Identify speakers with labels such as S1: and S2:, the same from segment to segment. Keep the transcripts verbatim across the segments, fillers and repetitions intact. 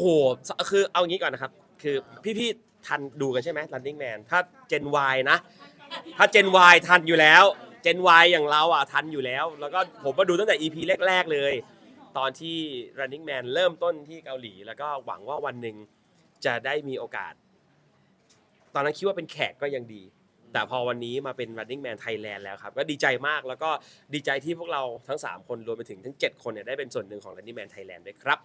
S1: โหคือเอางี้ก่อนนะครับคือพี่ๆทันดูกันใช่ไหม Running Man ถ้า Gen Y นะถ้า Gen Y ทันอยู่แล้ว Gen Y อย่างเราอ่ะทันอยู่แล้วแล้วก็ผมมาดูตั้งแต่ อี พี แรกๆเลยตอนที่ Running Man เริ่มต้นที่เกาหลีแล้วก็หวังว่าวันหนึ่งจะได้มีโอกาสตอนนั้นคิดว่าเป็นแขกก็ยังดีแต่พอวันนี้มาเป็น Running Man Thailand แล้วครับก็ดีใจมากแล้วก็ดีใจที่พวกเราทั้งสามคนรวมไปถึงทั้งเจ็ดคนเนี่ยได้เป็นส่วนหนึ่งของ Running Man Thailand ด้วยครับ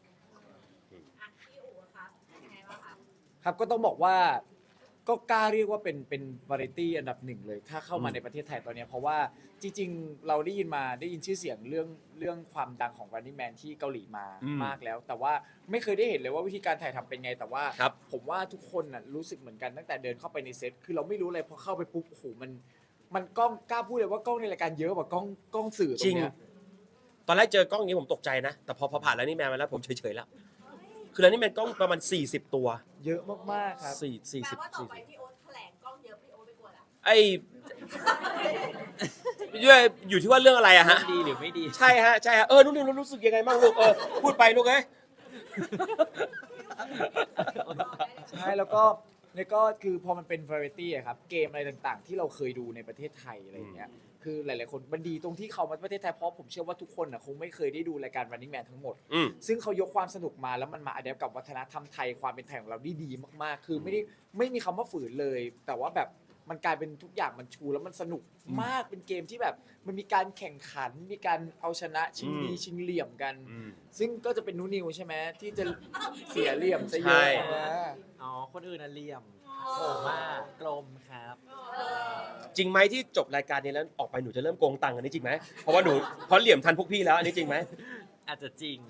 S2: ครับก็ต้องบอกว่าก็กล้าเรียกว่าเป็นเป็นวาไรตี้อันดับหนึ่งเลยถ้าเข้ามาในประเทศไทยตอนนี้เพราะว่าจริงๆเราได้ยินมาได้ยินชื่อเสียงเรื่องเรื่องความดังของ Running Man ที่เกาหลีมามากแล้ว แต่ว่าไม่เคยได้เห็นเลยว่าวิธีการถ่ายทำเป็นไงแต่ว่าผมว่าทุกคนน่ะรู้สึกเหมือนกันตั้งแต่เดินเข้าไปในเซตคือเราไม่รู้เลยพอเข้าไปปุ๊บโอ้โหมันมันกล้องกล้าพูดเลยว่ากล้องในรายการเยอะกว่ากล้องกล้องสื่อตรงเนี้ย
S1: ตอนแรกเจอกล้องอย่างนี้ผมตกใจนะแต่พอพอผ่านแล้วนี่แมนมาแล้วผมเฉยๆแล้วคือแล้วนี่แมนกล้องประมาณสี่สิบตัว
S2: เยอะมากๆครับ
S1: สี่สี่สิบ
S3: แปลว่าต่อไปพี่โอ๊ตแถลงกล้องเยอะพี่โอ๊ตไม่กลัวละ
S1: ไอ้ด้วยอยู่ที่ว่าเรื่องอะไรอะฮะ
S2: ดีหรือไม่ดี
S1: ใช่ฮะใช่ฮะเออนุ่นนี่รู้สึกยังไงบ้างลูกเออพูดไปลูกเอ้ย
S2: ใช่แล้วก็แล้วก็คือพอมันเป็น variety อะครับเกมอะไรต่างๆที่เราเคยดูในประเทศไทยอะไรอย่างเงี้ยคือหลายๆคนมันดีตรงที่เขามาประเทศไทยเพราะผมเชื่อว่าทุกคนน่ะคงไม่เคยได้ดูรายการ Running Man ทั้งหมดซึ่งเขายกความสนุกมาแล้วมันมาอัดแอปกับวัฒนธรรมไทยความเป็นไทยของเราได้ดีมากๆคือไม่ได้ไม่มีคำว่าฝืนเลยแต่ว่าแบบมันกลายเป็นทุกอย่างมันชูแล้วมันสนุกมากเป็นเกมที่แบบมันมีการแข่งขันมีการเอาชนะชิงดีชิงเหลี่ยมกันซึ่งก็จะเป็นนูนิวใช่ไหมที่จะเสียเหลี่ยมซะเยอะ
S4: อ๋อคนอื่นน่ะเหลี่ยมโหมากกลมครับ
S1: จริงไหมที่จบรายการนี้แล้วออกไปหนูจะเริ่มโกงตังค์อันนี้จริงไหมเพราะว่าหนูเพราะเหลี่ยมทันพวกพี่แล้วอันนี้จริงไหม
S4: อาจจะจริง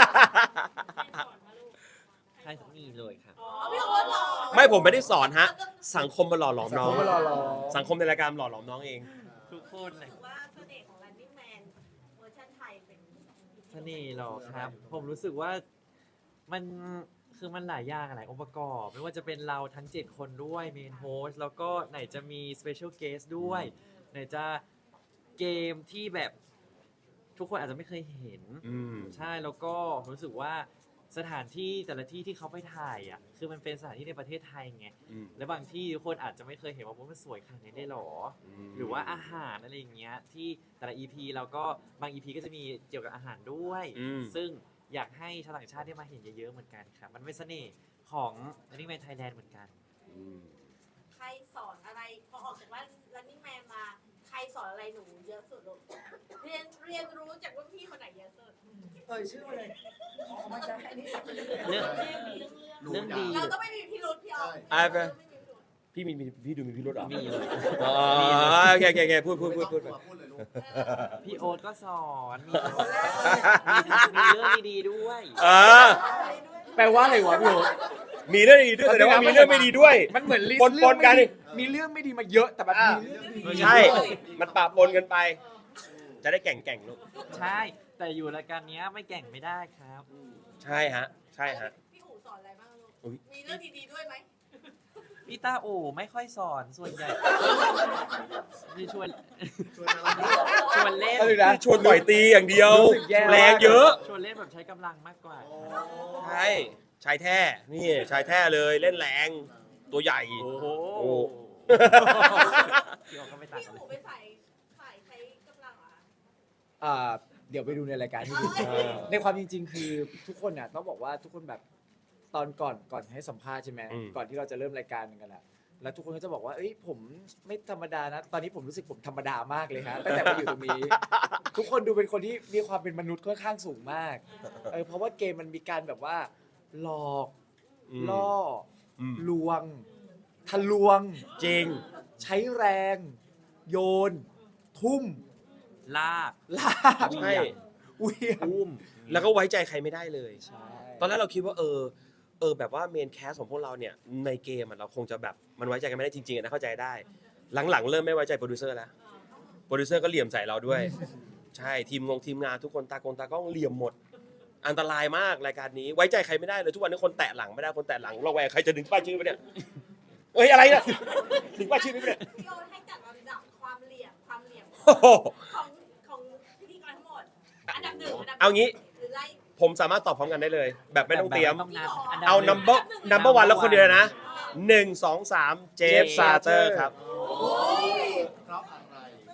S4: ใช่มีเลยครับ
S1: ไม่ผมไม่ได้สอนฮะสังคมมาหล่อหลอมน้องสังคมในรายการหล่อหลอมน้องเอง
S4: ทุกคนเลย
S3: ว่าเสน่ห์ของ Running Man เวอร์ชันไทยเป็น
S4: เสน่ห์หรอครับผมรู้สึกว่ามันคือมันหลายอย่างหลายองค์ประกอบไม่ว่าจะเป็นเราทั้งเจ็ดคนด้วยเมนโฮสแล้วก็ไหนจะมีสเปเชียลเกสด้วยไหนจะเกมที่แบบทุกคนอาจจะไม่เคยเห็นใช่แล้วก็รู้สึกว่าสถานที่แต่ละที่ที่เขาไปถ่ายอ่ะคือมันเป็นสถานที่ในประเทศไทยไงและบางที่ทุกคนอาจจะไม่เคยเห็นว่ามันสวยขนาดนี้ได้หรอหรือว่าอาหารอะไรอย่างเงี้ยที่แต่ละ อี พี แล้วก็บาง อี พี ก็จะมีเกี่ยวกับอาหารด้วยซึ่งอยากให้ชาวต่างชาติได้มาเห็นเยอะๆเหมือนกันครับมันเป็นเสน่ห์ของ Running Man Thailand เหมือนกัน
S3: ใครสอนอะไรพอออกจากว่า Running Man มาใครสอนอะไรหนูเยอะสุดลูกเรียนเรียนรู้จากรุ่นพี่คนไหนเยอะสุด
S2: เอ่ยชื่อมาเลย
S4: มันจะให้นี่เรื่องเรื่องดี
S3: เราต้องไม่มีพิรุธพี่ออฟ
S1: พี่มีพี่ดูมีพิรุธหรอ
S4: มีเลย
S1: อ๋อโอเคโอเคพูดพูดพูดพูด
S4: พี่โอ๊ตก็สอนมีเรื่องดีๆด้วย
S2: แปลว่าอะไรวะพี่โอ๊ต
S1: มีเรื่องดีด้วยแต่ว่ามีเรื่องไม่ดีด้วย
S2: มันเหมือนลิสต์
S1: ปนกัน
S2: มีเรื่องไม่ดีมาเยอะแต่แบบมีเรื่องดี
S1: ใช่มันปะปนกันไปจะได้แก่งแก่งลูก
S4: ใช่แต่อยู่รายการนี้ไม่แก่งไม่ได้ครับ
S1: ใช่ฮะใช่ฮะ
S3: พี่อู๋สอนอะไรบ้างลูกมีเรื่องดีๆด้วยไหม
S4: พี่ตาโอไม่ค่อยสอนส่วนใหญ่พี่ชวนชวนเล่น
S1: ชวนต่อยตีอย่างเดียวแรงเยอะ
S4: ชวนเล่นแบบใช้กำลังมากกว่า
S1: ใช่ชายแท้นี่ชายแท้เลยเล่นแรงตัวใหญ่
S4: โอ้โห
S3: พี่อู๋ไปใส่ใส่ใช้กำลังเหรอ
S2: อ่าเดี๋ยวไปดูในรายการที่ดูในความจริงๆคือทุกคนน่ะต้องบอกว่าทุกคนแบบตอนก่อนก่อนให้สัมภาษณ์ใช่ไหมก่อนที่เราจะเริ่มรายการกันแหละแล้วทุกคนก็จะบอกว่าเอ้ยผมไม่ธรรมดานะตอนนี้ผมรู้สึกผมธรรมดามากเลยฮะตั้งแต่มาอยู่ตรงนี้ทุกคนดูเป็นคนที่มีความเป็นมนุษย์ค่อนข้างสูงมากเออเพราะว่าเกมมันมีการแบบว่าหลอกล่อลวงทะลวง
S1: จริง
S2: ใช้แรงโยนทุ่ม
S4: ลาก
S2: ลาก
S1: ใช่
S2: อุ้ย
S1: อุ้มแล้วก็ไว้ใจใครไม่ได้เลยตอนแรกเราคิดว่าเออเออแบบว่าเมนแคสของพวกเราเนี่ยในเกมเราคงจะแบบมันไว้ใจกันไม่ได้จริงๆนะเข้าใจได้หลังๆเริ่มไม่ไว้ใจโปรดิวเซอร์แล้วโปรดิวเซอร์ก็เหลี่ยมใส่เราด้วยใช่ทีมงงทีมงานทุกคนตากงตากล้องเหลี่ยมหมดอันตรายมากรายการนี้ไว้ใจใครไม่ได้เลยทุกวันนี้คนแตะหลังไม่ได้คนแตะหลังระแวงใครจะดึงป้ายชื่อไปเนี่ยเอ้ยอะไรเนี่ยดึงป้ายชื่อไปเนี่ย
S3: พี่โอ๊ตให้จัดลำดับความเหลี่ยมความเหลี่ยมของของพิธีกรทั้งหมดอันดับหนึ่งอันดับ
S1: เอางี้ผมสามารถตอบพร้อมกันได้เลย แบบไม่ต้องเตรียม
S4: แบบไม่ต้องนับอันดับ
S1: เอา
S4: หนึ่ง
S1: number number one แล้วคนเดียวนะหนึ่งสองสามเจฟ
S4: เจฟ
S1: ซาเตอร์ครับ
S5: เพราะอะไร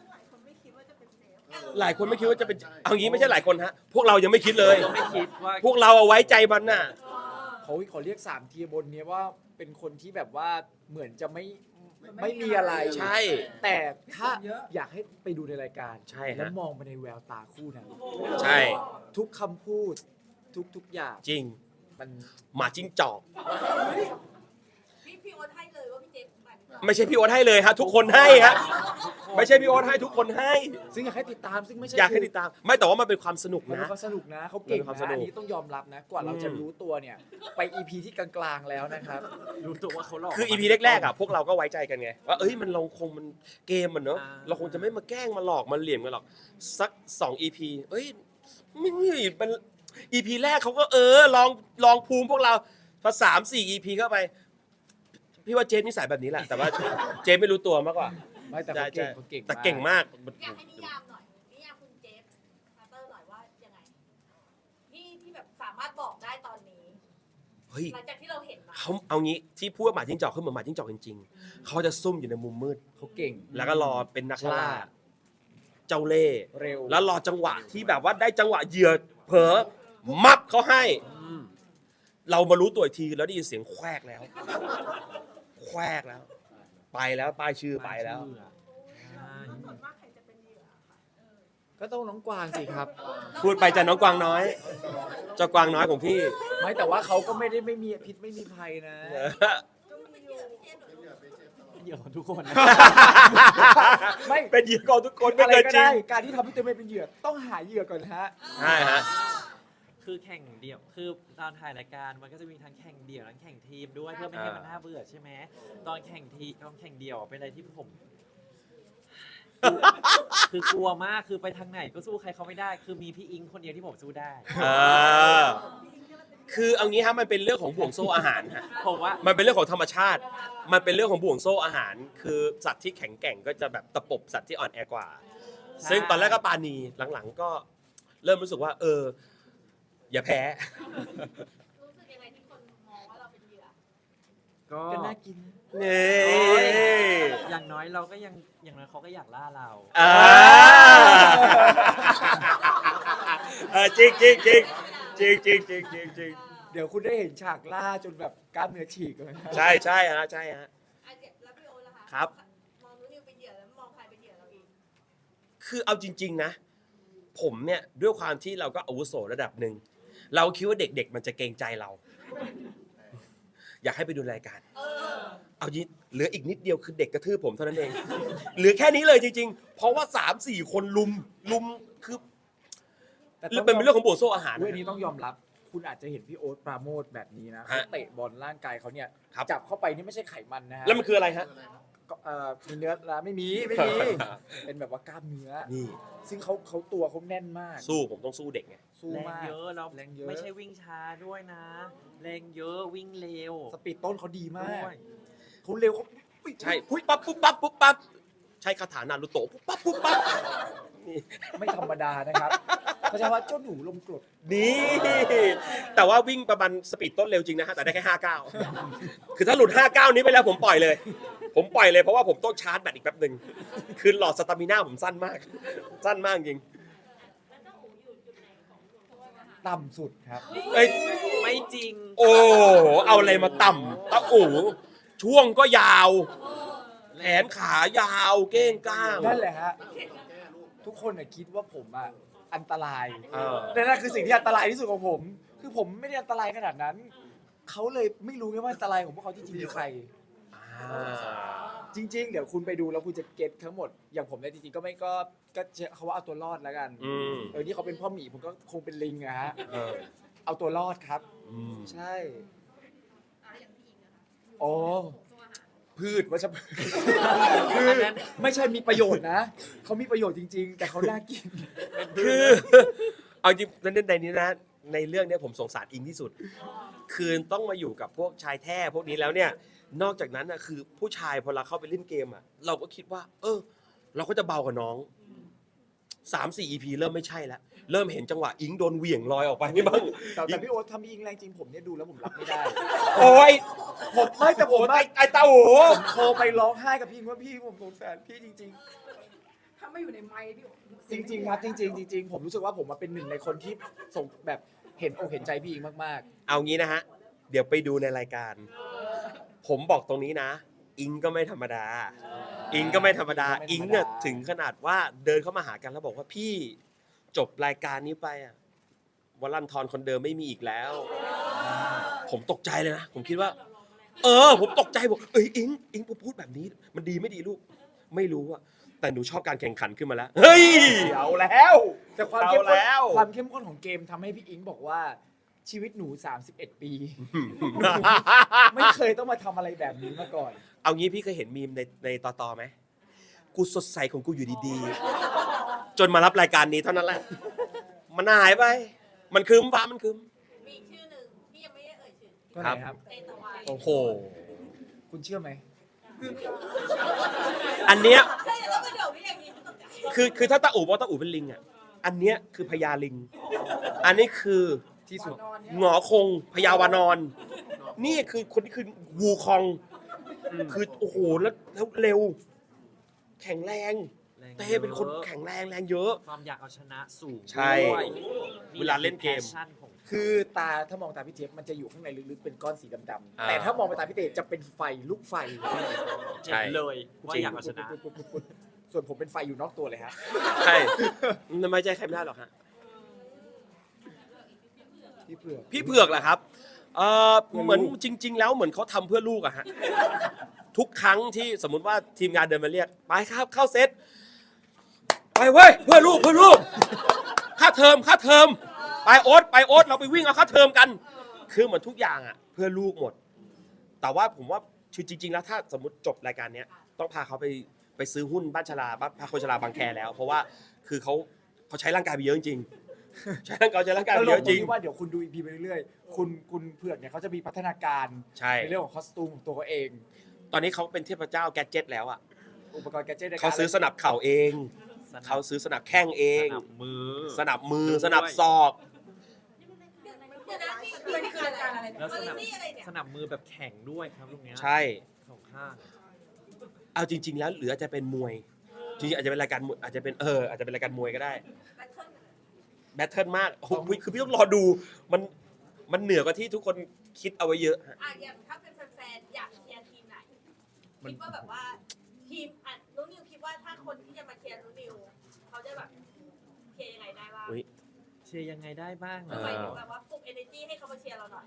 S1: หลายคนไม่คิดว่าจะเป็นเอางี้ไม่ใช่หลายคนฮะพวกเรายังไม่คิดเลย
S4: ก็ไม่คิดว่า
S1: พวกเราเอาไว้ใจมันน่ะ
S2: เขาขอเรียกสามทีบนเนี้ยว่าเป็นคนที่แบบว่าเหมือนจะไม่ไม่มีอะไร
S1: ใช่
S2: แต่ถ้าอยากให้ไปดูในรายการ
S1: ใช่ฮะ
S2: แล้วมองไปในแววตาคู่นั้น
S1: ใช่
S2: ทุกคำพูดทุกทุกอย่าง
S1: จริง
S2: มัน
S1: หมาจิ้งจอก
S3: พี่พี่โอ๊ตให้เลยว่าพี่เจฟมัน
S1: ไม่ใช่พี่โอ๊ตให้เลยฮะทุกคนให้ฮะไม่ใช่พี่โอ๊ตให้ทุกคนให้
S2: ซึ่งอยากให้ติดตามซึ่งไม่ใช่
S1: อยากให้ติดตาม ไม่แต่ว่ามันเป็นความสนุก
S2: มันเป็
S1: นะ
S2: นความสนุกนะเขาเก่ง
S1: มันเป็นความส
S2: นะ
S1: นุก
S2: อันนี้ต้องยอมรับนะ กว่าเราจะรู้ตัวเนี่ย ไป อี พี ที่กลางๆแล้วนะครับ
S4: รู้ตัวว่าเขาหลอก
S1: คือ อี พี แรกๆอ่ะพวกเราก็ไว้ใจกันไงว่าเอ้ยมันเราคงมันเกมมันเนอะ
S4: อ่า
S1: เราคงจะไม่มาแกล้งมาหลอกมาเหลี่ยมกันหรอกสักสอง อี พี เอ้ยไม่เป็น อี พี แรกเขาก็เออลองลองภูมิพวกเราพอสามสี่ อี พี เข้าไป พี่ว่าเจฟนิสัยแบบนี้แหละ แต่ว่าเจฟไม่รู้ตัวมากกว่า
S2: ไม่แต่เขาเก่งเขาเก่ง
S1: แต่เก่งมาก
S3: อยากให้นิยามหน่อยนิยามคุณเจฟมาเตอร์หน่อยว่ายังไงที่ที่แบบสามารถบอกได้ตอนนี้
S1: เฮ้ย
S3: หลังจากที่เราเห็นมา
S1: เขาเอางี้ที่พูดว่าหมาจิ้งจอกเขาเหมือนหมาจิ้งจอกจริงๆเขาจะซุ่มอยู่ในมุมมืด
S2: เขาเก่ง
S1: แล้วก็รอเป็นนักล่า
S2: ฉลาด
S1: เจ้าเล่ห์
S2: เร็ว
S1: แล้วรอจังหวะที่แบบว่าได้จังหวะเหยื่อเผลอมับเขาให้ เรามารู้ตัวอีกทีแล้วได้ยินเสียงแควกแล้ว แควกแล้ว ไปแล้วป้ายชื่อไปแล้ว
S4: อ่า
S2: ก็ต้องน้องกวางสิครับ
S1: พูดไปจะน้องกวางน้อย เจ้ากวางน้อยของพี่
S2: ไม่แต่ว่าเขาก็ไม่ได้ไม่มีพิษไม่มีภัยนะ
S3: เป็นเหยื่อพี่เจฟหรือ
S4: เหยื่อของทุกคนนะ
S2: ไม่
S1: เป็นเหยื่อของทุกคนไม่
S2: อะไร
S1: เกิน
S2: ก็
S1: จริ
S2: ได้
S1: ง
S2: การที่ทำให้ตัวเองเป็นเหยื่อต้องหาเหยื่อก่อนฮะ
S1: ใช่ฮะ
S4: คือแข่งเดี่ยว คือตอนถ่ายรายการมันก็จะมีทั้งแข่งเดี่ยวทั้งแข่งทีมด้วยเพื่อไม่ให้มันน่าเบื่อใช่ไหมตอนแข่งทีตอนแข่งเดี่ยวเป็นอะไรที่ผม คือกลัวมากคือไปทางไหนก็สู้ใครเขาไม่ได้ คือมีพี่อิงคนเดียวที่ผมสู้ได้
S1: เออ คือเอางี้ฮะมันเป็นเรื่องของบ่วงโซ่อาหารฮะ
S4: ผมว่า
S1: มันเป็นเรื่องของธรรมชาติ มันเป็นเรื่องของบ่วงโซ่อาหาร คือสัตว์ที่แข็งแกร่งก็จะแบบตะปบสัตว์ที่อ่อนแอกว่า
S4: ใช่
S1: ซึ่งตอนแรกก็ปาณีหลังๆ ก็เริ่มรู้สึกว่า เออ อย่าแพ้
S3: รู้สึกยังไงที่คนมองว่าเราเป็นเหยื่อ
S4: ก็
S2: ก็น่ากิน
S1: นี่
S4: อย่างน้อยเราก็ยังอย่างน้อยเขาก็อยากล่าเรา
S1: อ่าเออจริงจริงจริงจริงจริงจริงจริงจริง
S2: เดี๋ยวคุณได้เห็นฉากล่าจนแบบกล้ามเนื้อฉีกเลยนะ
S1: ใช่ใช่ฮะใช่ฮะ
S3: อ่ะเจ็บแล้วพี่โอ๊ตล่ะคะ
S1: ครับ
S3: มองนู้นนิวเป็นเหยื่อแล้วมองใครเป็นเหยื่อเราอีก
S1: คือเอาจริง ๆ นะ ผมเนี่ยด้วยความที่เราก็อาวุโสระดับหนึ่ง เราคิดว่าเด็กๆ มันจะเกรงใจเรา อยากให้ไปดูรายการ
S3: เออ
S1: เอายิเหลืออีกนิดเดียวคือเด็กกระทืบผมเท่านั้นเอง เหลือแค่นี้เลยจริง ๆ เพราะว่าสามสี่คนลุมลุมคือ
S2: แต่
S1: เรื่องเป็นเรื่องของบ่วงโซ่อาหาร
S2: เรื่องนี้ต้องยอมรับ คุณอาจจะเห็นพี่โอ๊ตปราโมทแบบนี้นะ
S1: ฮะ
S2: เขาเตะบอลร่างกายเขาเนี่ย
S1: ครับ
S2: จับเข้าไปนี่ไม่ใช่ไขมันนะฮะ
S1: แล้วมันคืออะไรฮะ
S2: ก็เอ่อมีเนื้อละไม่มีไม่มี เป็นแบบว่ากล้ามเนื้อ
S1: นี่
S2: ซึ่งเขาเขาตัวเขาแน่นมาก
S1: สู้ผมต้องสู้เด็กไง
S2: สู้
S4: แรง
S2: มาก
S4: เยอะเรา
S2: แรงเยอะ
S4: ไม่ใช่วิ่งช้าด้วยนะ แรงเยอะวิ่งเร็ว
S2: สปีดต้นเขาดีมาก
S4: ด้วย
S2: เขาเร็วเขาอุ๊ย
S1: ใช่ปุ๊บปั๊บปุ๊บปั๊บปุ๊บปั๊บใช้คาถานารุโตะปุ๊บปั๊บปุ๊บปั๊บนี่
S2: ไม่ธรรมดานะครับเขาจะว่าเจ้าหนูลมกรด
S1: นี่ แต่ว่าวิ่งประมาณสปีดต้นเร็วจริงนะฮะแต่ได้แค่ห้าเก้าคือถ้าหลุดห้าเก้านี้ไปแล้วผมปล่อยเลย ผมปล่อยเลยเพราะว่าผมต้องชาร์จแบตอีกแป๊บหนึ่งคือหลอดสตามิน่าผมสั้นมาก สั้นมากจริง
S3: แล้วต้องหูอยู่จุดไหนของบ่วงโซ่อาหาร
S2: ต่ำสุดครับ
S1: เอ้ย
S4: ไม่จริง
S1: โอ้เอาอะไรมาต่ำตะอูช่วงก็ยาว แขนขายาวเก้งก้าง
S2: นั่นแหละฮะ ทุกคนน่ะคิดว่าผมอ่ะอันตราย
S1: เออ
S2: แต่นั่นคือสิ่งที่อันตรายที่สุดของผม คือผมไม่ได้อันตรายขนาดนั้น เขาเลยไม่รู้ไงว่าอันตรายของพวกเขาที่จริงคือใคร
S1: อ่า
S2: จริง ๆ เดี๋ยวคุณไปดูแล้วคุณจะเก็ตทั้งหมด อย่างผมเนี่ยจริงๆก็ไม่ก็ก็เขาว่าเอาตัวรอดแล้วกัน
S1: อืม
S2: เออนี่เขาเป็นพ่อหมีผมก็คงเป็นลิงอะฮะ
S1: เออ
S2: เอาตัวรอดครับ
S1: อืม
S2: ใช่
S3: อ่ะอย่างพี่อิงนะคะ
S2: โอ้
S3: บ่วงโซ่อาหาร
S2: พืชวัชพืชคือไม่ใช่มีประโยชน์นะ เขามีประโยชน์จริง ๆ แต่เขาน่ากิน
S1: คือ เอาจริงในในนี้นะในเรื่องเนี้ยผมสงสารอิงที่สุด คือต้องมาอยู่กับพวกชายแท้พวกนี้แล้วเนี่ย นอกจากนั้นนะคือผู้ชายพอเราเข้าไปเล่นเกมอ่ะ เราก็คิดว่า เออ เราก็จะเบากว่าน้องสามสี่ อี พี เริ่มไม่ใช่แล้วเริ่มเห็นจังหวะอิงโดนเหวี่ยงลอยออกไปนี่บ้าง
S2: แต่แต่พี่โอ๊ตทำพี่อิงแรงจริงผมเนี่ยดูแล้วผมรับไม่ได้
S1: โอ้ย
S2: ผมไม่แต่ผม
S1: ไอ้
S2: ไม่
S1: ไอ้เต้าโห
S2: ผมโทรไปร้องไห้กับพี่อิงว่าพี่ผมสงสารพี่จริง
S6: ถ้าไม่อยู่ในไมค์พี่โอ๊ต
S2: ๆ จริง ๆ ครับจริง ๆ จริง ๆ ผมรู้สึกว่าผมมาเป็นหนึ่งในคนที่ส่งแบบเห็นอกเห็นใจพี่อิงมาก
S1: เอางี้นะฮะ เดี๋ยวไปดูในรายการ ผมบอกตรงนี้นะ อิงก็ไม่ธรรมดา อิงก็ไม่ธรรมดา อิงเนี่ยถึงขนาดว่าเดินเข้ามาหากันแล้วบอกว่าพี่จบรายการนี้ไปอ่ะวลันทรคนเดิมไม่มีอีกแล้ว ผมตกใจเลยนะ ผมคิดว่า เออ ผมตกใจบอกเอ้ยอิงอิงพูดแบบนี้ มันดีไม่ดีลูก ไม่รู้อะแต่หนูชอบการแข่งขันขึ้นมาแล้ว เฮ้ย เอาแล้ว
S2: ๆ แต่ความเข้ม
S1: เอา
S2: ข้น
S1: แล้ว
S2: ความเข้มข้นของเกมทำให้พี่อิงบอกว่าชีวิตหนู สามสิบเอ็ด ปี ไม่เคยต้องมาทำอะไรแบบนี้มาก่อน
S1: เอางี้พี่เคยเห็นมีมในในต่อต่อไหม กูสดใสของกูอยู่ดีๆ จนมารับรายการนี้เท่านั้นแหละ มันหายไป มันคืมฟ้ามันคืม
S3: มีอีกชื่อหนึ่งที่ยังไม่ได้เอ่ยชื่อ
S2: ก็ไหนครับ
S3: เตตะวัน
S1: โอ้โห
S2: คุณเชื่อไหม
S1: อันเนี้ย
S3: ใช่แล้วก็เดี๋ยวพี่อย่างนี้ตกใจ
S1: คือคือถ้าตาอู่บอกว่าตาอู่เป็นลิงอ่ะ อันเนี้ยคือพญาลิง อันนี้คือ
S2: ที่สุด
S1: หงอคงพญาวานอน นี่คือคนที่คือวูคอง คือโอ้โหแล้วแล้วเร็ว แข็งแรง
S4: แรง
S1: เต้เป็นคนแข็งแรงแรงเยอะ
S4: ความอยากเอาชนะสูง
S1: ใช่
S4: ด้วย
S1: เวลาเล่นเกม
S4: แพชชั่นของ
S2: คือตาถ้ามองตาพี่เจี๊ยบมันจะอยู่ข้างในลึกๆเป็นก้อนสีดำ
S1: อ่า
S2: ๆแต่ถ้ามองไปตาพี่เต๋จะเป็นไฟลูกไฟ
S1: ใช่
S4: เห็นเลยว่าอยากเอาชนะ
S2: ส่วนผมเป็นไฟอยู่นอกตัวเลยฮะ
S1: ใช่ไม่ใช่ใครไม่ได้หรอกฮะ
S2: พี่เผือก
S1: พี่เผือกแหละครับ เออ
S2: เพื่อลูก
S1: เหมือนจริง ๆ แล้วเหมือนเขาทำเพื่อลูกอะฮะ ทุกครั้งที่สมมุติว่าทีมงานเดินมาเรียก ไปครับเข้าเซต ไปเว้ยเพื่อลูกเพื่อลูก ค่าเทอมค่าเทอม ไปโอ๊ตไปโอ๊ตเราไปวิ่งเอาค่าเทอมกัน คือเหมือนทุกอย่างอะเพื่อลูกหมด แต่ว่าผมว่าคือจริง ๆ แล้วถ้าสมมติจบรายการเนี้ยต้องพาเขาไปไปซื้อหุ้นบ้านชลาบ้านพาคนชลาบางแคแล้ว เพราะว่าคือเขาเขาใช้ร่างกายไปเยอะจริงๆใช้ร่างกายใช้ร่างกาย
S2: ต
S1: ไป
S2: ล
S1: เย
S2: ก
S1: อะ
S2: ต
S1: จ
S2: ร
S1: ริ
S2: ง
S1: ง
S2: ที่ว่าเดี๋ยวคุณดูอีพีไปเรื่อยๆ คุณคุณเผือกเนี่ยเขาจะมีพัฒนาการ
S1: ใช่
S2: ในเรื่องของคอสตูมของตัวเขาเอง
S1: ตอนนี้เขาเป็นเทพเจ้าแกดเจ็ตแล้วอ่ะ
S2: อุปกรณ์แกดเจิตในการ
S1: เขาซื้อสนับเข่าเอง
S4: สนับ
S1: เขาซื้อสนับแข้งเอง
S4: สนับมือ
S1: สนับมือ
S4: ด้วย
S1: สนับศอก
S3: เดี๋ยวนะนี่
S6: มันคือรายการอะไรเนี่ย
S4: แล้วสนับ
S3: นี่อะไรเนี่ย
S4: สนับมือแบบแข็งด้วยครับลูกเนี้ย
S1: ใช่
S4: สองข้าง
S1: เอาจริง ๆ แล้วหรืออาจจะเป็นมวย จริงๆอาจจะเป็นรายการมวยอาจจะเป็นเอออาจจะเป็นรายการมวยก็ได้
S3: แบทเทิล
S1: แบทเทิลมากโอ้โหคือพี่ต้องรอดู มันมันเหนือกว่าที่ทุกคนคิดเอาไว้เยอะฮะ
S3: อ่ะอย่างถ้าเป็นแฟนๆอยากเชียร์ทีมไหนคิดว่าแบบว่าทีมอ่ะนุนิวคิดว่าถ้าคนที่จะมาเชียร์นุนิวเขาจะแบบเชียร์ยังไงได้บ้าง
S1: อุ๊ย
S4: เชียร์ยังไงได้บ้างเหร
S1: เอ
S4: อ
S3: หมายถึงแบบว่าปลุก energy ให้เขามาเชียร์เราหน่อย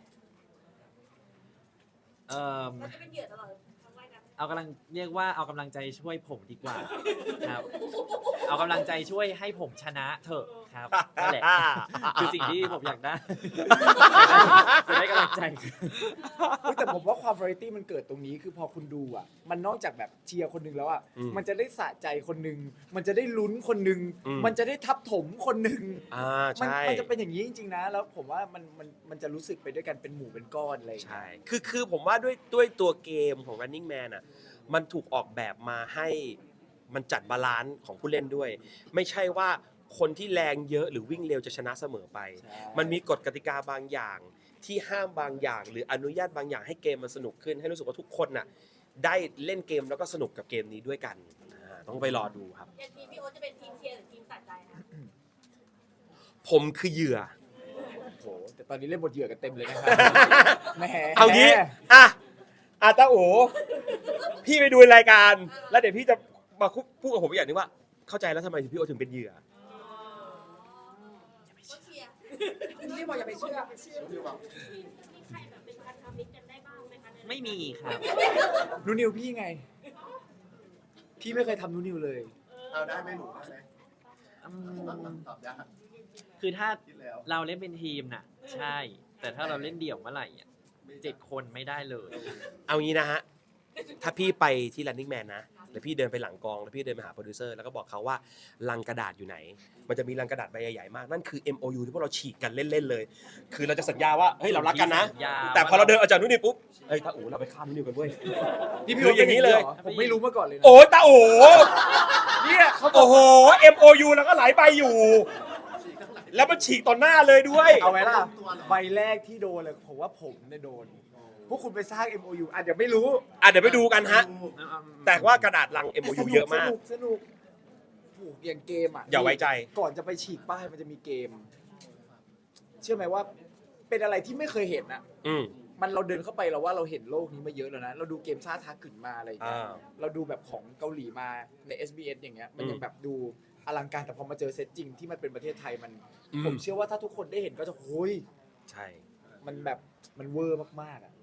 S4: เอ่อ
S3: เราจะเป็นเหยื่อตลอดทั้งวันนะ
S4: เอากำลังเรียกว่าเอากำลังใจช่วยผมดีกว่าครับ เอากำลังใจช่วยให้ผมชนะเถอะครับนั่นแหละคือสิ่งที่ผมอยากได้จะได้กำลังใจ
S2: เฮ้ยแต่ผมว่าความ variety มันเกิดตรงนี้คือพอคุณดูอ่ะ มันนอกจากแบบเชียร์คนหนึ่งแล้วอ่ะ
S1: อืม
S2: มันจะได้สะใจคนหนึ่งมันจะได้ลุ้นคนหนึ่ง
S1: อืม
S2: มันจะได้ทับถมคนหนึ่ง
S1: อ่า
S2: มัน
S1: ใช่
S2: มันจะเป็นอย่างนี้จริงๆนะ แล้วผมว่ามันมันมันจะรู้สึกไปด้วยกันเป็นหมู่เป็นก้อนอะไรอย่างเงี้ย
S1: ใช่ คือ คือผมว่าด้วย ด้วยตัวเกมของ Running Man อ่ะ มันถูกออกแบบมาให้มันจัดบาลานซ์ของผู้เล่นด้วย ไม่ใช่ว่าคนที่แรงเยอะหรือวิ่งเร็วจะชนะเสมอไป
S2: ใช่
S1: มันมีกฎกติกาบางอย่างที่ห้ามบางอย่าง หรืออนุญาตบางอย่างให้เกมมันสนุกขึ้น ให้รู้สึกว่าทุกคนน่ะได้เล่นเกมแล้วก็สนุกกับเกมนี้ด้วยกันอ่าต้องไปรอดูครับ
S3: อย่างทีมพี่โอ๊ตจะเป็นทีมเชียร์หรือทีมสะใจนะ
S1: ผมคือเหยื่อ
S2: โอ้โหแต่ตอนนี้เล่นบทเหยื่อกันเต็มเลยนะครับแหม
S1: เอางี้อ่ะอ่ะตาโอพี่ไปดูรายการ แล้วเดี๋ยวพี่จะมาพูดกับผมอีกอย่างหนึงว่า เข้าใจแล้วทำไมถึงพี่โอถึงเป็นเหยื่อ
S3: ก็เชียร์
S6: นี่บอกอย่าไปเชื่อ
S3: มีใครแบบเป็นพันธมิตรกันได้บ้างไหมคะ
S4: ไม่มีครับ
S2: นูนิวพี่ไง พี่ไม่เคยทำนูนิวเลย
S5: เอาได้ไหมหนูได้ไหม
S4: อืม
S5: ตอบยาก
S4: คือถ้า
S5: คิดแล้ว
S4: เราเล่นเป็นทีมน่ะ ใช่ แต่ถ้าเราเล่นเดี่ยวเมื่อไหร่อ่ะเจ็ดคนไม่ได้เลย
S1: เอางี้นะฮะ ถ้าพี่ไปที่ Running Man นะแล้วพี่เดินไปหลังกองแล้วพี่เดินไปหาโปรดิวเซอร์แล้วก็บอกเขาว่าลังกระดาษอยู่ไหน มันจะมีลังกระดาษใบใหญ่ๆมากนั่นคือ เอ็ม โอ ยู ที่พวกเราฉีกกันเล่นๆเลย คือเราจะสัญญาว่าเฮ้ยเรารักกันนะ
S4: สัญญา
S1: แต่พอเราเดินออกจากนู่นนี่ปุ๊บเฮ้ยตาอู๋เราไปข้ามนู่นนี่กันเว้ย
S2: นี่พี่
S1: คืออย่างนี้เลย
S2: ผมไม่รู้มาก่อนเลยนะ
S1: โอ้ยตาอู๋
S2: เนี่ยเขาบอ
S1: โอ้
S2: ก
S1: โห เอ็ม โอ ยู แล้วก็หลายใบอยู่ แล้วมันฉีกต่อหน้าเลยด้วย
S2: เอาไว้ล่ะใบแรกที่โดนเลยผมว่าผมเนี่ยโดนพวกคุณไปสร้าง เอ็ม โอ ยู อาจจะไม่รู้
S1: อ่ะเดี๋ยวไปดูกันฮะ แต่ว่ากระดาษลัง เอ็ม โอ ยู เยอะมาก
S2: สนุกสนุกผูกอย่างเกมอ่ะ
S1: อย่าไว้ใจ
S2: ก่อนจะไปฉีกป้ายมันจะมีเกม เชื่อไหมว่าเป็นอะไรที่ไม่เคยเห็นอ่ะ
S1: อืม
S2: มันเราเดินเข้าไปเราว่าเราเห็นโลกนี้มาเยอะแล้วนะ เราดูเกมซ่าทาขึ้นมาอะไรอย่างเงี้ย
S1: อ่า
S2: เราดูแบบของเกาหลีมาใน เอส บี เอส อย่างเงี้ย มันยัง
S1: อืม
S2: แบบดูอลังการแต่พอมาเจอเซตจริงที่มันเป็นประเทศไทยมัน
S1: อืม
S2: ผมเชื่อว่าถ้าทุกคนได้เห็นก็จะโอ้ย
S1: ใช่
S2: มันแบบมันเวอร์มากๆอ่ะ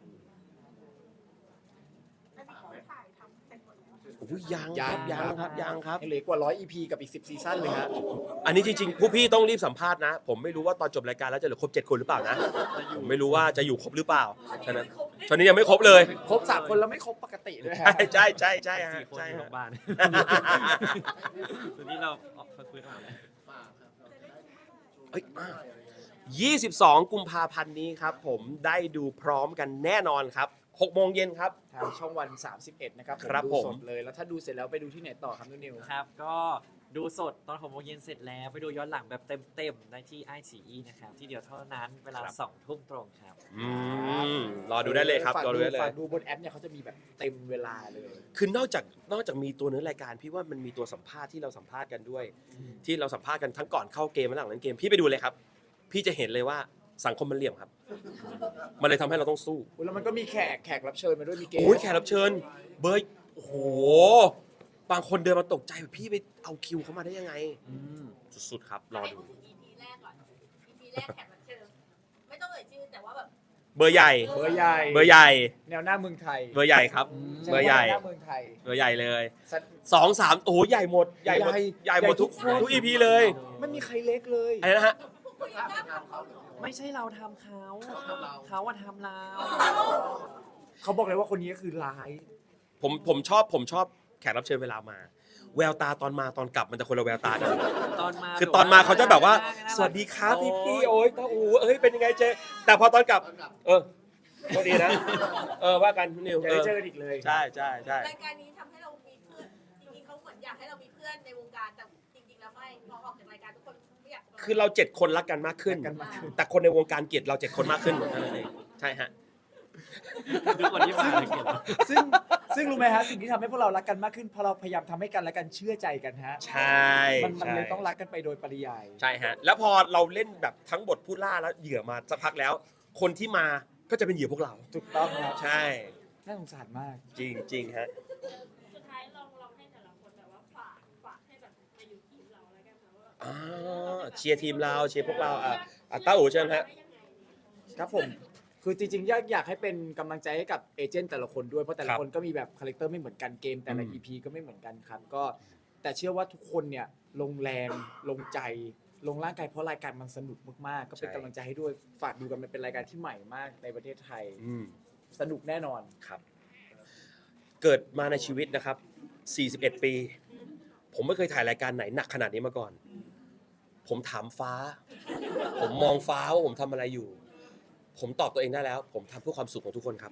S3: อันนี้เขาถ่ายทำเสร็จหมดแล้ว
S1: โอ้ยยังครับยังครับยังครับ
S2: ยังเหลือกว่าร้อย อี พี กับอีกสิบซีซั่นเลยฮะ
S1: อันนี้จริงๆ ผู้พี่ต้องรีบสัมภาษณ์นะ ผมไม่รู้ว่าตอนจบรายการแล้วจะเหลือครบเจ็ดคนหรือเปล่านะ ผมไม่รู้ว่าจะอยู่ครบหรือเปล่า ฉะนั้นตอนนี้ยังไม่ครบเลย
S2: ครบสามคนแล้วไม่ครบปกติด้วยฮะ
S1: ใช่ใช่ใช่ใช่ฮะ
S4: สี่คน
S1: ใช่
S4: อยู่โร
S1: ฮะ
S4: งพยาบาลตอนนี้เราออกฟื้นออกมาแล้ว
S1: เอ้ยอ่ะยี่สิบสองกุมภาพันธ์นี้ครับ ผมได้ดูพร้อมกันแน่นอนครับหกโมงเย็นครับ
S2: ทางช่องวัน สามสิบเอ็ด นะครับ
S1: ครับ
S2: ดู
S1: ผม
S2: สดเลย แล้วถ้าดูเสร็จแล้วไปดูที่ไหนต่อครับนุ่นนิว
S4: ครับ ก็ดูสดตอนหกโมงเย็นเสร็จแล้ว ไปดูย้อนหลังแบบเต็มๆได้ที่ไอซีอีนะครับ ที่เดียวเท่านั้นเวลาสองทุ่มตรงครับ
S1: อืมรอดูได้เลยครับ
S2: ฝาก
S1: รอดูได้เลย
S2: ฝากดูบนแอปเนี่ยเขาจะมีแบบเต็มเวลาเลย
S1: คือนอกจากนอกจากมีตัวเนื้อรายการพี่ว่ามันมีตัวสัมภาษณ์ที่เราสัมภาษณ์กันด้วย ที่เราสัมภาษณ์กันทั้งก่อนเข้าเกมและหลังเล่นเกมพี่ไปดูเลยครับ พี่จะเห็นเลยว่าสังคมมันเหลี่ยมครับ มันเลยทำให้เราต้องสู้
S2: แล้วมันก็มีแขกแขกรับเชิญมาด้วยมีเกม
S1: โอ้ยแขกรับเชิญ เบอร์โอ้โหบางคนเดินมาตกใจแบบพี่ไปเอาคิวเขามาได้ยังไงสุดๆครับรอ
S3: ให้
S1: ดู
S3: พูดถึง อี พี แรกก่อน อี พี แรกแขกรับเชิญไม่ต้องเอ่ยชื่อแต่ว่าแบบ
S1: เบอร์ใหญ่
S2: เบอร์ใหญ่
S1: เบอร์ใหญ่
S2: แนวหน้าเมืองไทย
S1: เบอร์ใหญ่ครับ เบอร์ใหญ่
S2: แนวหน้าเมืองไทย
S1: เบอร์ใหญ่เลย
S2: สัตว์
S1: สองสามโอ้โหใหญ่หมดใหญ่หมด
S2: ใหญ่
S1: ใหญ่หมดทุก
S2: ใหญ่ทุก
S1: ทุกอีพีเลย
S2: ไม่มีใครเล็กเลย
S1: อะไรนะฮะ
S3: ผู้ยังกล้าทำเขาหรือ
S4: ไม่ใช่เราทำเขา เขาว่าทำเรา
S2: เขาบอกเลยว่าคนนี้ก็คือร้าย
S1: ผมผมชอบผมชอบแขกรับเชิญเวลามา แววตาตอนมาตอนกลับมันจะคนละแววตากัน
S4: ตอนมา
S1: คือตอนมาเขาจะแบบว่า
S4: น่ารัก
S1: สวัสดีครับพี่พี่โอ้ยตาอูเอ้ยเป็นยังไงเจแต่พอตอนกลับ เออก็ดีนะ เออว่ากันนิว
S2: จะได้เจอกันอีกเลย
S1: ใช่ใช่ใช่
S3: รายการนี้ทำให้เรามีเพื่อนจริงๆเขาเหมือนอยากให้เรามีเพื่อนในวงการแต่จริงๆแล้วไม่พอออกจากรายการทุกคนไม่อยาก
S1: คือเราเจ็ดคนรักกันมากขึ้น
S2: รักกันมากขึ้น
S1: แต่คนในวงการเกลียดเราเจ็ดคนมากขึ้นเหมือนกันเองใช่ฮะ
S4: ทุกคนที่มาเลยเกลียดเรา
S2: ซึ่งซึ่งรู้ไหมฮะสิ่งที่ทำให้พวกเรารักกันมากขึ้นเพราะเราพยายามทำให้กันและกันเชื่อใจกันฮะ
S1: ใช่
S2: มันมัน
S1: ใช่
S2: เลยต้องรักกันไปโดยปริยาย
S1: ใช่ฮะ แล้วพอเราเล่นแบบทั้งบทผู้ล่าแล้วเหยื่อมาสักพักแล้ว คนที่มาก็จะเป็นเหยื่อพวกเรา
S2: ถูกต้องครับ
S1: ใช่
S2: น่าสงสารมาก
S1: จริงจริงฮะ
S3: สุดท้ายลองลองให้แต่ละคนแบบว่าฝากฝากให้แบบมาอยู่ทีมเราแล้วกันนะว่า
S1: อ่าเชียร์ทีมเราเชียร์พวกเราอ่ะอ่ะต้าอู๋เชิญฮะ
S2: ครับผม คือจริงๆอยากอยากให้เป็นกำลังใจให้กับเอเจนต์แต่ละคนด้วย เพราะแต่
S1: ค
S2: ละ
S1: รับ
S2: คนก็มีแบบคาแรคเตอร์ไม่เหมือนกันเกมแต่ละ
S1: อืม
S2: อี พีก็ไม่เหมือนกันครับ ก็แต่เชื่อว่าทุกคนเนี่ยลงแรงลงใจ ลงร่างกายเพราะรายการมันสนุกมากๆ ก็เป็นกำลังใจให้ด้วยฝากดูกันมันเป็นรายการที่ใหม่มากในประเทศไทย
S1: อืม
S2: สนุกแน่นอน
S1: ครับ เกิดมาในชีวิตนะครับ สี่สิบเอ็ด ปี ผมไม่เคยถ่ายรายการไหนหนักขนาดนี้มาก่อน ผมถามฟ้า ผมมองฟ้าว่าผมทำอะไรอยู่ ผมตอบตัวเองได้แล้ว ผมทำเพื่อความสุขของทุกคนครับ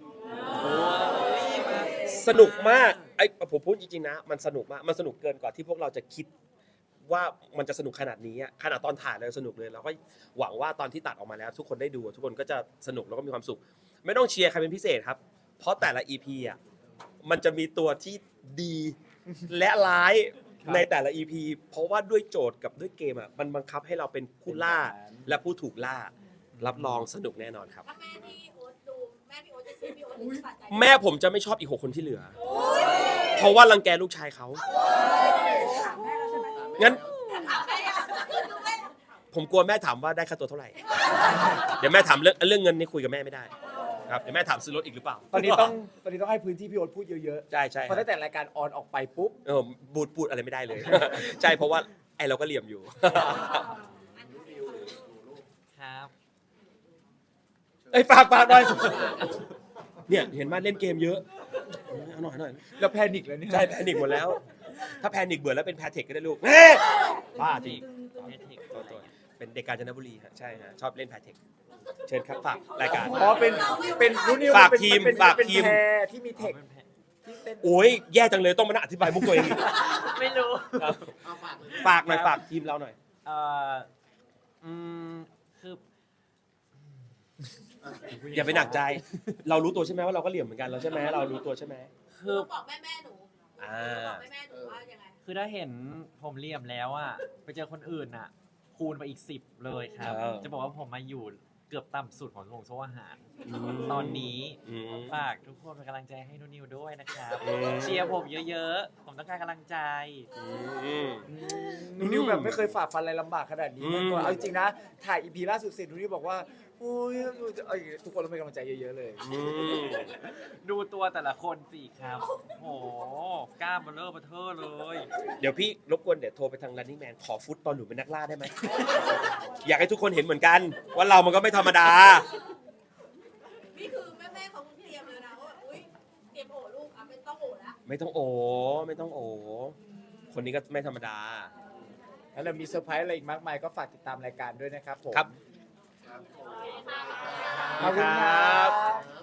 S1: สนุกมากไอ้ผมพูดจริงๆนะ มันสนุกมาก มันสนุกเกินกว่าที่พวกเราจะคิดว่ามันจะสนุกขนาดนี้อะขนาดตอนถ่ายเลยสนุกเลยเราก็หวังว่าตอนที่ตัดออกมาแล้ว ทุกคนได้ดูทุกคนก็จะสนุกแล้วก็มีความสุข ไม่ต้องเชียร์ใครเป็นพิเศษครับ เพราะแต่ละ อี พี อ่ะมันจะมีตัวที่ดีและร้าย
S2: ครับ
S1: ในแต่ละ อี พี เพราะว่าด้วยโจทย์กับด้วยเกมอ่ะมันบังคับให้เราเป็นผู้ล่า
S2: เป็นแบบนั้น
S1: และผู้ถูกล่า รับรองสนุกแน่นอนครับ
S3: ถ้าแม่ที่โอ๊ตดูแม่พี่โอ๊ตจะเชียร์พี่โอ๊ตหรือสะใจ
S1: แม่ผมจะไม่ชอบอีกหกคนที่เหลือ เพราะว่ารังแกลูกชายเขา
S6: ถามแม่แล้วใช่ไหม
S1: งั้น
S3: ถามใครอ่ะดูแม่
S1: ผมกลัวแม่ถามว่าได้ค่าตัวเท่าไหร่ เดี๋ยวแม่ถามเรื่องเรื่องเงินนี่คุยกับแม่ไม่ได้ครับเดี๋ยวแม่ถามซื้อรถอีกหรือเปล่า
S2: ตอนนี้ต้องตอนนี้ต้องให้พื้นที่พี่โอ๊ตพูดเยอะ
S1: ใช่ใช่
S2: ๆเพราะตั้งแต่รายการออนออกไปปุ๊บ
S1: เออบูดพูดอะไรไม่ได้เลย ใช่เพราะว่าไอเราก็เหลี่ยมอยู่
S4: ครับ
S1: เอ้ยฝากฝากหน่อยเนี่ยเห็นมาเล่นเกมเยอะเอาหน่อยเอาหน่อย
S2: แล้วแพนิคแล้วเนี่ย
S1: ใช่แพนิคหมดแล้ว ถ้าแพนิคเบื่อแล้วเป็นแพเทคก็ได้ลูกแม่บ้าจริง
S4: แพทริก
S1: ตัวตัวเป็นเด็กกาญจนบุรีฮะใช่ฮะชอบเล่นแพเทคเชิญครับฝากรายการ
S2: เพราะเป็นเป็นรุ่นนิว
S1: ฝาก
S2: เป็น
S1: ทีม
S2: เป็น
S1: ฝาก
S2: เป็น
S1: ทีม
S2: แพรที่มีเทค
S4: เป็นแพท
S2: ที่เป็น
S1: โอ้ยแย่จังเลยต้องมานั่งอธิบายมุกตัวเองอีก
S4: ไม่รู้
S5: เอาฝากเลย
S1: ฝากหน่อยฝากทีมเราหน่อย
S4: เอ่ออืมคือ
S1: อย่าไปหนักใจ เรารู้ตัวใช่ไหมว่าเราก็เหลี่ยมเหมือนกันเราใช่ไหมเรารู้ตัวใช่ไหม
S4: คือ
S3: บอกแม่แม่หนู
S1: อ่า
S3: บอกแม่แม่หนูว่ายังไง
S4: คือถ้าเห็นผมเหลี่ยมแล้วอ่ะไปเจอคนอื่นอ่ะ คูณไปอีกสิบเลยครับ
S1: เออ
S4: จะบอกว่าผมมาอยู่เกือบต่ำสุดของวงโซ่อาหาร
S1: อืม
S4: ตอนนี้
S1: อืม
S4: ฝากทุกคนเป็นกำลังใจให้นุ่นนิวด้วยนะครับ
S1: อืม
S4: เชียร์ผมเยอะๆ ผมต้องการกำลังใจ
S1: อืม
S2: นูนิวแบบไม่เคยฝ่าฟันอะไรลำบากขนาดนี้มาก่อน
S1: อืม
S2: เอาจริงๆนะ ถ่ายอีพีล่าสุดเสร็จนูนิวบอกว่าโอ้ยเอ้ยทุกคนต้องเป็นกำลังใจเยอะๆเลย
S1: อืม
S4: ดูตัวแต่ละคนสิครับ โอ้โหกล้ามเบลเลอร์เบลเทอร์เลย
S1: เดี๋ยวพี่รบกวนเดี๋ยวโทรไปทาง running man ขอฟุตตอนหนูเป็นนักล่าได้ไหม อยากให้ทุกคนเห็นเหมือนกัน ว่าเรามันก็ไม่ธรรมดา
S3: นี่คือแม่แม่เขาเตรียมเลยนะว่าแบบอุ้ยเตรียมโอลูกอ่ะเป็นต้องโอละ
S1: ไม่ต้องโอ ไม่ต้องโอ คนนี้ก็ไม่ธรรมดา
S2: แล้วเรามีเซอร์ไพรส์อะไรอีกมากมายก็ฝากติดตามรายการด้วยนะครับผม
S1: ครับ
S2: ขอบคุณครับ